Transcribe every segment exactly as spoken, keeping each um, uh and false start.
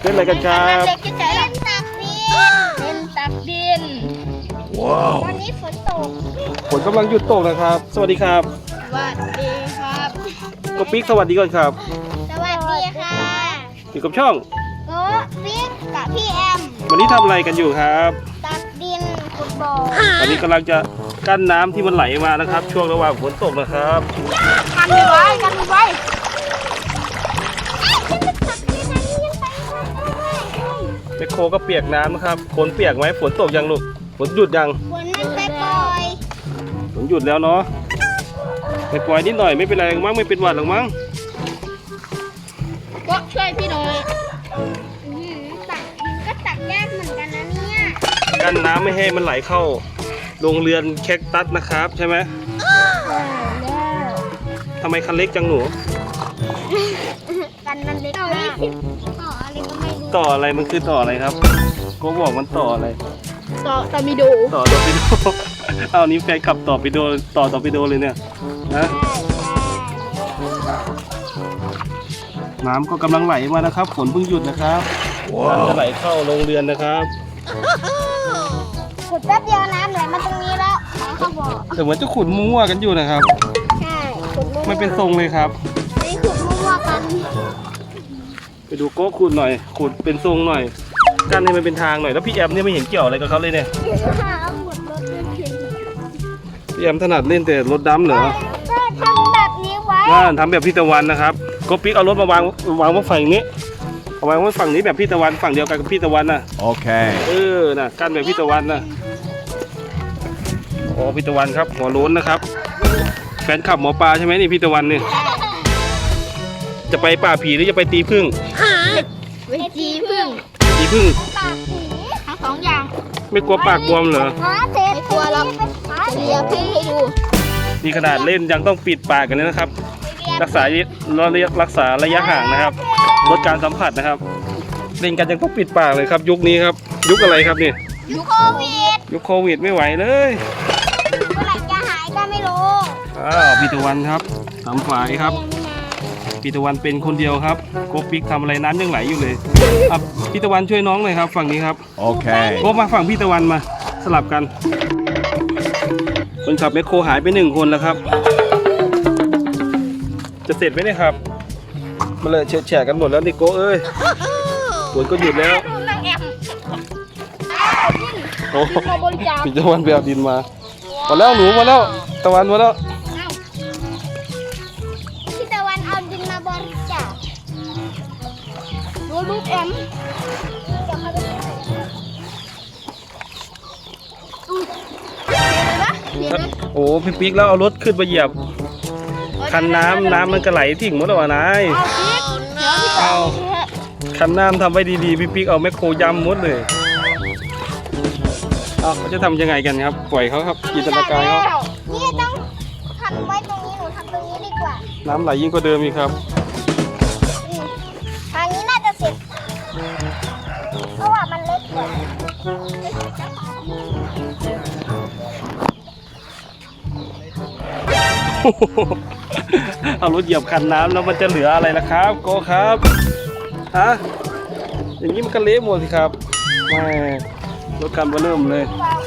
ล่นอะไรกันครับเล่นตักดินเล่นตักดินว้าววันนี้ฝนตกฝนกำลังหยุดตกนะครับ สวัสดีครับสวัสดีครับก็ปิ๊กสวัสดีก่อนครับสวัสดีค่ะอยู่กับช่องโก้ปิ๊กกับพี่แอมวันนี้ทำอะไรกันอยู่ครับตักดินฟุตบอลตอนนี้กำลังจะกั้นน้ำที่มันไหลมานะครับ ช่วงระหว่างฝนตกนะครับกันไว้กันไว้แมคโครก็เปียกน้ำนะครับฝนเปียกไหมฝนตกยังลูกฝนหยุดยังฝนมันไปปล่อยฝนหยุดแล้วเนาะไปปล่อยนิดหน่อยไม่เป็นไรมั้งไม่เป็นหวัดหรอกมั้งก็ช่วยพี่หน่อยตักดินก็ตักยากเหมือนกันนะเนี่ยกั้นน้ำไม่ให้มันไหลเข้าโรงเรือนแคคตัสนะครับใช่ไหมทำไมคันเล็กจังหนูกันมันเล็กมากต่ออะไรก็ไม่รู้ต่ออะไรมันคือต่ออะไรครับก็บอกมันต่ออะไรต่อตามิโดต่อตอร์ปิโด เอานี้แฟนขับต่อปิโดต่อตอร์ปิโดเลยเนี่ยนะน้ำก็กำลังไหลมานะครับฝนเพิ่งหยุดนะครับน้ำจะไหลเข้าโรงเรือนนะครับขุดแป๊บเดียวน้ำไหลมาตรงนี้แล้วไหนเขาบอกแต่เหมือนจะขุดมั่วกันอยู่นะครับใช่ขุดมั่วไม่เป็นทรงเลยครับไม่ขุดมั่วกันไปดูโก้ขุดหน่อยขุดเป็นทรงหน่อยกั้นให้มันเป็นทางหน่อยแล้วพี่แอมเนี่ยไม่เห็นเกี่ยวอะไรกับเขาเลยเนี่ยเอาขุดรถเฉยพี่แอมถนัดเล่นแต่รถดำเหรอๆก็ทำแบบนี้ไว้ว่าทำแบบพี่ตะวันนะครับโก็ปิ๊กเอารถมาวางวางไว้ฝั่งนี้เอาวางไว้ฝั่งนี้แบบพี่ตะวันฝั่งเดียวกันกับพี่ตะวันน่ะโอเคเออน่ะกั้นแบบพี่ตะวันน่ะโอ้พี่ตะวันครับหัวโล้นนะครับแฟนขับหมอปลาใช่ไหมนี่พี่ตะวันเนี่ยจะไปป่าผีหรือจะไปตีผึ้งเวทีพึ่งตีผึ้งปากผีทั้งสองอย่างไม่กลัวปากบวมเหรอหาเศษไม่กลัวหรอกเดี๋ยวพี่ให้ดูนี่ขนาดเล่นยังต้องปิดปากกันเลยนะครับ รักษาเราเรียกรักษาระยะห่างนะครับลดการสัมผัสนะครับ เล่นกันยังต้องปิดปากเลยครับ ยุคนี้ครับ ยุคอะไรครับนี่ยุคโควิดยุคโควิดไม่ไหวเลยเมื่อไหร่จะหายก็ไม่รู้อ้าวพี่ตะวันครับทำฝ่ายครับพี่ตะวันเป็นคนเดียวครับโกปิกทำอะไรน้ำยังไหลอยู่เลยอ่ะพี่ตะวันช่วยน้องหน่อยครับฝั่งนี้ครับโอเคโกมาฝั่งพี่ตะวันมาสลับกันคนขับแมคโครหายไปหนึ่งคนแล้วครับ จะเสร็จไหมเนี่ยครับมาเลยเฉะแฉะกันหมดแล้วนี่โกเอ้ยฝนก็หยุดแล้วดูนางแอมโอ้มาบริจาคพี่ตะวันไปเอาดินมามาแล้วหนูมาแล้วตะวันมาแล้วพี่ตะวันเอาดินมาบริจาคดูลูกแอมจะมาดูเห็นไหมโอ้พี่ปิ๊กแล้วเอารถขึ้นมาเหยียบคันน้ำน้ำมันก็ไหลทิ้งหมดแล้ววะนายเอาพริกเดี๋ยวพี่เอาคันน้ำทำไว้ดีๆพี่ปิ๊กเอาแมคโครยำหมดเลยเอาเขาจะทำยังไงกันครับปล่อยเขาครับจินตนาการเขานี่ต้องทำไว้ตรงนี้หนูทำตรงนี้ดีกว่าน้ำไหลยิ่งกว่าเดิมอีกครับทางนี้น่าจะเสร็จเพราะว่ามันเล็กกว่าเอารถเหยียบคันน้ำแล้วมันจะเหลืออะไรล่ะครับโกครับฮะอย่างนี้มันก็เละหมดสิครับแม่รถคันเบอร์เริ่มเลย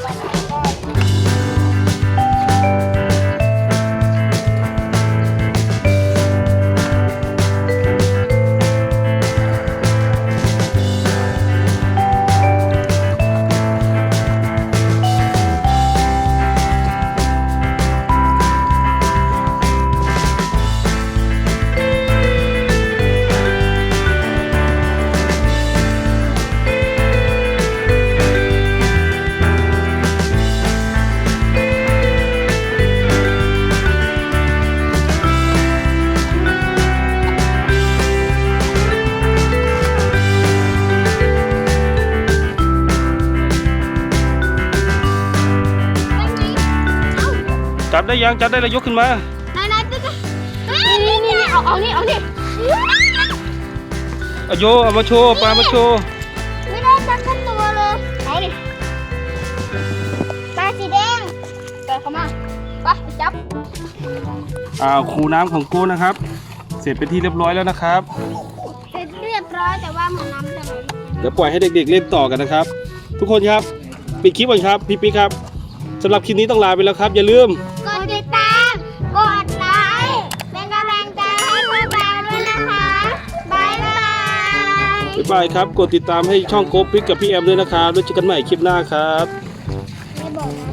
จับได้ยังจับได้แล้วยกขึ้นมาไหนไหนพี่ก็นี่นี่เอาเอานี่เอานี่เอาโยเอามาโชว์ปลามาโชว์ไม่ได้จับทั้งตัวเลยเอาดิปลาสีแดงเปิดเข้ามาไปจับอ้าวคูน้ำของกูนะครับ เสร็จเป็นที่เรียบร้อยแล้วนะครับเสร็จเรียบร้อยแต่ว่าเหมือนน้ำจะไหลเดี๋ยวปล่อยให้เด็กๆเล่นต่อกันนะครับ ทุกคนครับปิดคลิปก่อนครับพี่ปิ๊กครับสำหรับคลิปนี้ต้องลาไปแล้วครับอย่าลืมกดติดตาม กดไลค์ เป็นกำลังใจให้พวกเราด้วยนะคะบายบายบ๊ายบายครับกดติดตามให้ช่องโกปิ๊กกับพี่แอมด้วยนะครับแล้วเจอกันใหม่คลิปหน้าครับไม่บอกนะ